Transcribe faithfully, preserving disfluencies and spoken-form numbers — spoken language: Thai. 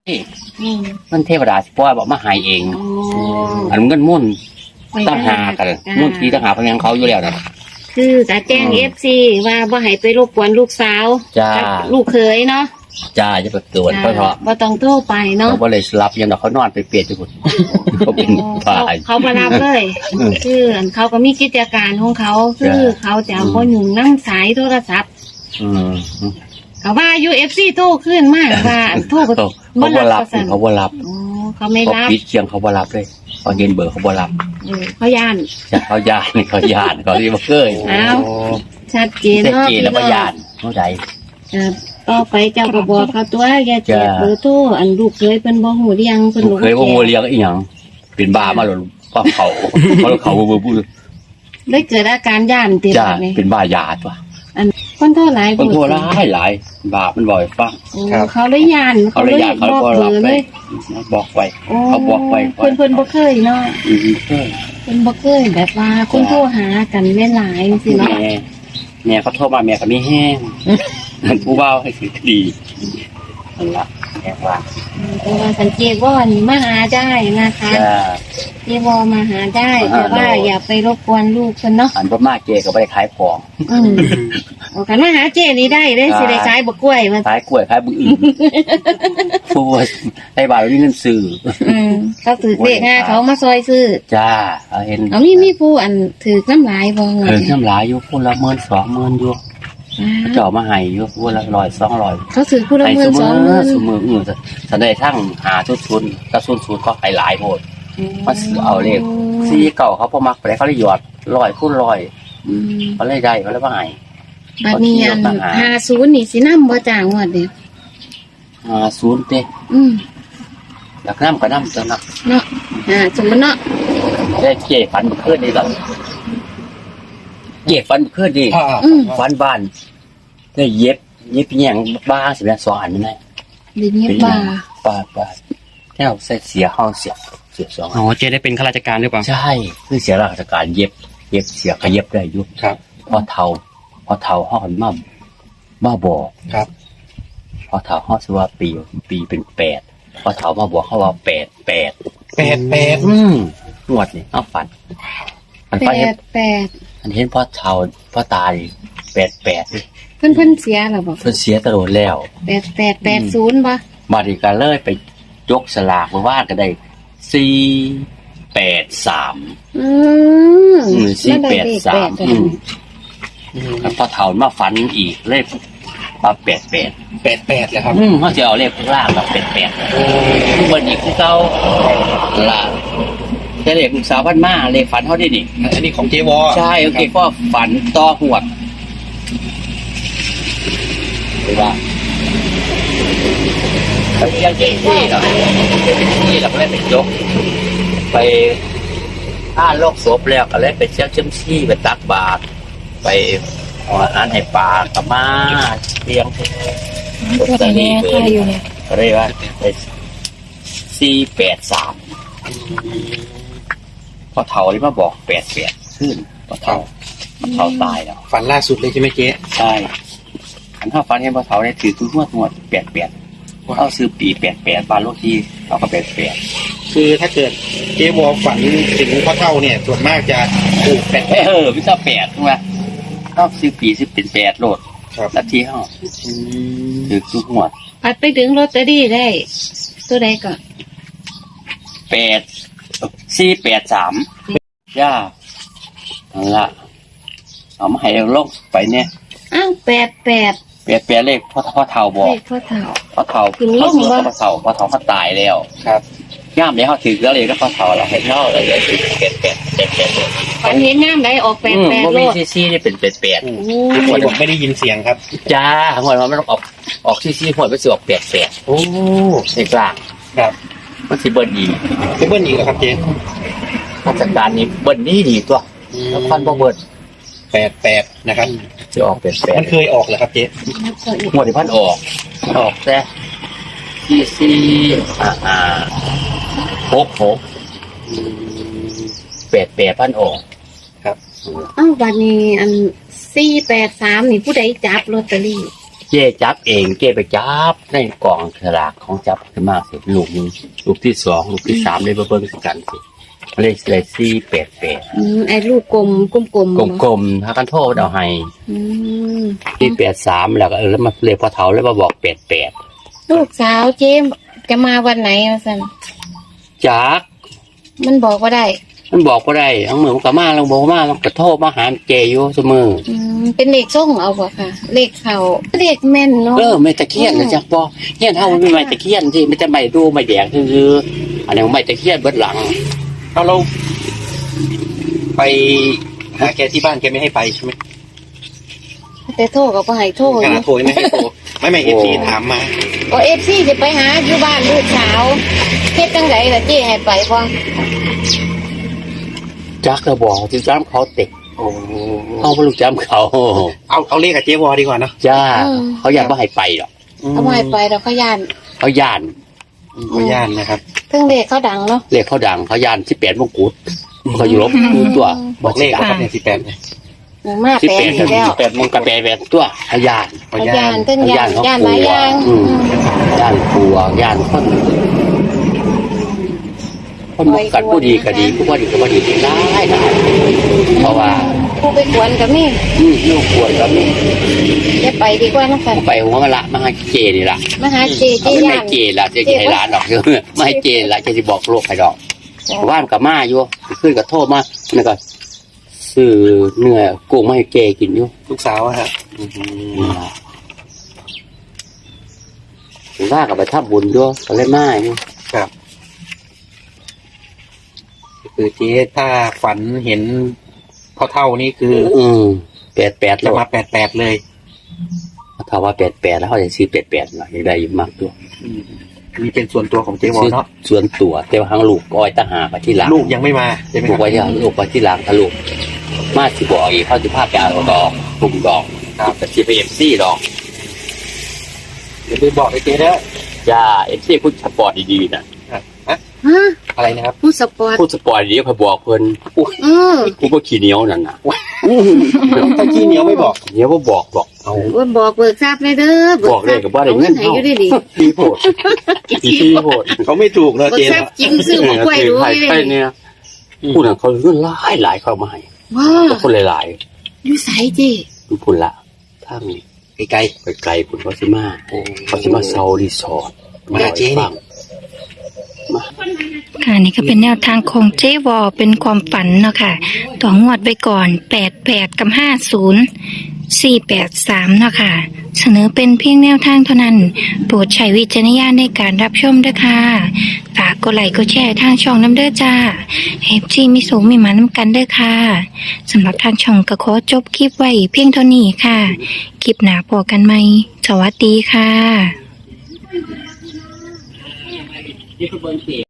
มันเทวดาสิปล่อยบอกมาหายเองอันเงินมุ่นตั้งหากันมุ่นทีตั้งหาพยังเขาอยู่แล้วนะคือจะแจ้งเอฟซีว่าบ่ให้ไปรบกวนลูกสาวกับลูกเขยเนาะจ้าจะไปตรวจเพราะเพราะบ่ต้องโทรไปเนาะเขาบ่เลยรับยังเขานอนไปเปลี่ยนทุกคนเขาเป็นฝ่ายเขาบ่รับเลยคือเขาก็มีกิจการของเขาคือเขาจะบ่ยุ่งนำสายโทรศัพท์อืมเขาว่า ยู เอฟ ซี โทรขึ้นมากว่าโทรก็บ่รับเขาบ่รับอ๋อเขาไม่รับปิดเสียงเขาบ่รับเลยเขาเห็นเบอร์เขาบ่รับเออเขาย่านจ้ะเขาย่านเขาย่านเขาที่บ่เคยอ้าวชัดเจนเนาะชัดเจนแล้วบ่ย่านเท่าใดเออต่อไปเจ้าก็บอกเขาตัวอย่าแจกเบอร์โทรอันลูกเคยเพิ่นบ่ฮู้เรียงเพิ่นลูกเคยบ่ฮู้เรียงอีหยังเป็นบ้ามาแล้วป้าเขาเขาเขาบ่บ่ได้เกิดอาการย่านติดบ่นี่เป็นบ้ายาตัวอันคนโทรหลายคนโทรหลายหลายบาปมันบ่อยฟังเขาเลยย่านเขาเลยย่านเขาก็รับเลยบอกไว้เขาบอกไว้เพิ่นเพิ่นบ่เคยเนาะอือเคยเพิ่นบ่เคยแบบว่าคนโทรหากันหลายๆจังซี่เนาะแม่เขาโทรมาแม่ก็มีแห้งมันผู้บ่าวให้คือดีนั่นล่ะแม่ว่าเพราะว่าสังเกตว่านี่มาหาได้นะคะเจวอมาหาได้แต่ว่าอย่าไปรบกวนลูกคนเนาะอันพ่อมาเจก็ไม่ได้ขายของอืมโอ้กันมาหาเจนี่ได้ได้สิได้ขายบกกล้วยมาขายกล้วยขายบุอื่นผู้ได้บาทเรามีเงินซื้ออืมเขาถือเลขง่ายเขามาซอยซื้อจ้าเขาเห็นเอามีมีผู้อันถือน้ำลายบ่เออน้ำลายอยู่คนละหมื่นสองหมื่นอยู่เจ้ามาให้อยู่คนละร้อยสองร้อยเขาถือคนละหมื่นสองหมื่นสมืออื่นสันได้ทั้งหาชุดชุนกระสุนชุนก็ขายหลายหมดมาซื้อเอาเลขซีเก่าเขาพอมักไปเขาเลยหยอดร้อยคูณร้อยเขาเลยได้เขาเลยว่าไงบัดนี้อันห้าศูนย์นี่สิน้ำบ่จ่างวดเดียวห้าศูนย์เต้อืมอยากน้ำก็น้ำเจ้านักเนาะห้าศูนย์เนาะได้เกี่ยฟันเพื่อนนี่หรอเย็บฟันเพื่อนดิฟันบ้านได้เย็บเย็บแยงบ้าสิบแปดสองอันไม่ได้เย็บบ้าบ้าบ้าแค่ใส่เสียห้องเสียเสียสองอ๋อเจ๊ได้เป็นข้าราชการหรือเปล่าใช่คือเสียราชการเย็บเย็บเสียก็เย็บได้ยุบครับพอเท่าพอเท่าห้องมั่มมาบอกครับพอเท่าห้องสว่าปีปีเป็นแปดพอเท่ามาบอกเขาว่าแปดแปดแปดแปดอืมนวดนี่เอาฝันมันแปดแปดอันเห็นพ่อเท่าพ่อตายแปดแปดเพิ่นเพิ่นเสียหรอบอกเพิ่นเสียตลอดแล้วแปดแปดแปดศูนย์ป่ะมาดีกันเลยไปยกสลากมาว่ากันได้สี่แปดสามอืมสี่แปดสามแล้วพอเท่ามาฝันอีกเลขมาแปดแปดแปดแปดเลยครับอืมเขาจะเอาเลขข้างล่างมาแปดแปดเบิร์นอีกคือเก่าละแต่เลขลูกสาวพันมาเลขฝันเขาได้ดิอันนี้ของเจวอใช่โอเคก็ฝันต่อหวดหรือว่าแต่ยังเก่งที่เราที่เราก็เลยไปยกไปอ้าโลกศพแล้วก็เลยไปเชี่ยวเชื่อมชี้ไปตักบาตรไปเอาอาหารให้ปลากับมาเลี้ยงก็แต่แม่ค่อยู่เนี่ยก็เลยว่าไปสี่แปดสามพอเท่าที่มาบอกแปดแปดขึ้นพอเท่าพอเท่าตายแล้วฝันล่าสุดเลยใช่ไหมเจ๊ใช่ขันข้าวฟันเห็นพอเท่าได้ถือตุ้งหัวหัวแปดแปดเขาซื้อปีแปดแปดบานโลที่เขาก็แปดแปดคือถ้าเกิดเจ๊วอฝันถึงพ่อเท่าเนี่ยส่วนมากจะถูกแปดเออพิซซ่าแปดถูกไหมเขาซื้อปีซื้อเป็นแปดโลดนาทีเขาถือตุ้งหัวพัดไปถึงลอตเตอรี่ได้ตัวใดก่อนแปดสี่แปดสามย่านั่นละเอามาให้เราลงไปเนี่ยอ้าวแปดแปดแปดแปดเลขพ่อพ่อเท่าบอกเลขพ่อเท่าพ่อเท่าเขาเสียพ่อเท่าพ่อเท่าเขาตายแล้วครับย่ามเดี๋ยวเขาถือแล้วเลยก็พ่อเท่าเราเห็นเท่าเลยเลยแปดแปดแปดแปดฝันเห็นย่ามได้ออกแปดแปดโลดซีซีนี่เป็นแปดแปดทุกคนไม่ได้ยินเสียงครับจ้าหัวมันไม่ต้องออกออกซีซีหัวไปสืบออกแปดแปดโอ้ในกลางครับมันสิเบิร์นอีกเบิร์นอีกครับเจนราชการนี้เบิร์นนี่ดีตัวแล้วพันบ่เบิร์นแปดแปดนะครับจะออกแปดแปดมันเคยออกเหรอครับเจ๊หมดที่พันออกออกแต่ซีซีอ่าอ่าหกหกแปดแปดพันออกครับอ้าววันนี้อันสี่แปดสามนี่ผู้ใดจับลอตเตอรี่เจ๊จับเองเจ๊ไปจับในกล่องสลากของจับขึ้นมาเสร็จลูกหนึงลูกที่สองลูกที่สามเลยมาเบิ่งกันสิเลขเลขสี่แปดแปดอืมไอ้ลูกกลมกลมกลมกลมๆถ้ากันโทษเอาให้อืมที่แปดสามแล้วก็เออแล้วมาเลขพอเฒ่าแล้วมาบอกแปดแปดลูกสาวเจ๊จะมาวันไหนอ่ะสันจักมันบอกว่าได้มันบอกว่าได้ทั้งมือมันก็มาแล้วบอกว่ามามันก็โทษมาหาเจอยู่เสมออืมเป็นเลขส่งเอาบ่ค่ะ เลขเขาเลขแม่นเนาะเออไม่ตะเคียนนะจ๊ะปอเฮียนเท่ามันไม่ไม้ตะเคียนที่มันจะไม่ดูไม่แดงคืออันนี้ไม่ตะเคียนเบิดหลังเอาเราไปหาแกที่บ้านแกไม่ให้ไปใช่ไหมแต่โทรก็บ่ให้โทรขอนาดยู่โทรยังไม่ให้โทรไม่ไม่เอฟซีถามมาก็เอฟซีจะไปหาอยู่บ้านลูกสาวเฮ็ดจังไดล่ะเจ๊ให้ไปบ่จักก็บอกที่จ้ำเขาเตะโอ้เขาไม่รู้จ้ำเขาเอาเอาเลขกับเจ๊วอดีกว่าเนอะจ้าเขาอยากไม่ให้ไปหรอกเอาบ่ให้ไปดอกเขาย่านเขาย่านขออนุญาตนะครับเครื่องเลขเขาดังเนาะเรียกเขาดังเขาย่านที่แปดมงกุฎเขาอยู่ลบดูตัวบอกเลขนะครับเนี่ยสิบแปดเนี่ยมาที่แปลแปงดอีกแล้วที่แปดมงกระแปดแปดตัวเขาย่านขออเขานุญาย่าตนเต้นย่านเขาย่านหลายอย่างอืมย่านกลัวย่านคนคนบอกกันผู้ดีก็ดีผู้ว่าดีก็ว่าดีได้ได้เพราะว่าผู้ไปกวนก็มีอืมลูกควรก็มีอย่าไปดีกว่านะคะไปหัวมาละมาให้เจนี่ละมาหาเจเจเอาไม่ย่าให้นเจละเจจะให้ร้านดอกเยอะไม่ให้เจละจะจะบอกโลกใครดอกว่านกับมาอยู่ขึ้นกับโทษมาแล้วก็ซื้อเนื้อกุ้งมาให้เจกินอยู่ลูกสาวอะครับว่ากับไปทับบุญด้วยก็เลยมาอยู่ครับคือเจ๊ถ้าฝันเห็นพ่อเท่านี่คืออืมแปดแปดจะแล้วมาแปดแปดเลยถ้าว่าแปดแปดแล้วเขาจะซื้อแปดแปดหน่อยได้อยู่มากด้วยอืมนี่เป็นส่วนตัวของเจ๊วอซื้อเนาะส่วนตัวแต่ว่าทางลูกก้อยตาหาไปที่หลังลูกยังไม่มาใช่ไหมลูคกรับไว้ที่หลังลูกไปที่หลังถ้าลูกมาสิบอกอีกเขาจะพาไปเอาดอกกลุ่มดอกครับแต่ที่ไปเอ็มซีดอกเดี๋ยวไปบอกให้เจ๊แล้วจ้าเอ็มซีพูดสปอร์ตดีๆนะฮะฮะอะไรนะครับผู้สปอร์ตพูดสปอร์ตดีๆพอบอกเพิ่นอุ้ยอือกูก็ขี้เหนียวนั่นน่ะถ้าขี้เหนียวไม่บอกเหนียวก็บอกบอกเอาว่าบอกเบิกทราบเลยเด้อบอกเลยกับว่าได้เงินให้เท่าอยู่ดีดีดีโพดดีโพดเขาไม่ถูกเนอะเบิกเจ๊ทราบเนาะจริงซื้อหมกกล้วยดูไทยเลยไทยเนี่ยพูดถึงเขาเงินหลายหลายเข้ามาให้ว้าแต่คนหลายอยู่ไสเจๆทุกคนละถ้ามีไกลไปไกลคุณเขาสิมาๆโอ้เขาสิมาเซารีสอร์ทมาเจ๊นี่ค่ะนี่ก็เป็นแนวทางของเจวอเป็นความฝันเนาะค่ะต่องวดไปก่อนแปดแปดกับห้าศูนย์สี่แปดสามเนาะค่ะเสนอเป็นเพียงแนวทางเท่านั้นโปรดใช้วิจารณญาณในการรับชมด้วยค่ะฝากกดไลค์กดแชร์ทางช่องน้ำเด้อจ้าเฮฟซีมิสูมีหมาน้ำกันเด้อค่ะสำหรับทางช่องก็ขอจบคลิปไว้เพียงเท่านี้ค่ะคลิปหนาพอกันไหมสวัสดีค่ะนี่คือเบอร์เสีย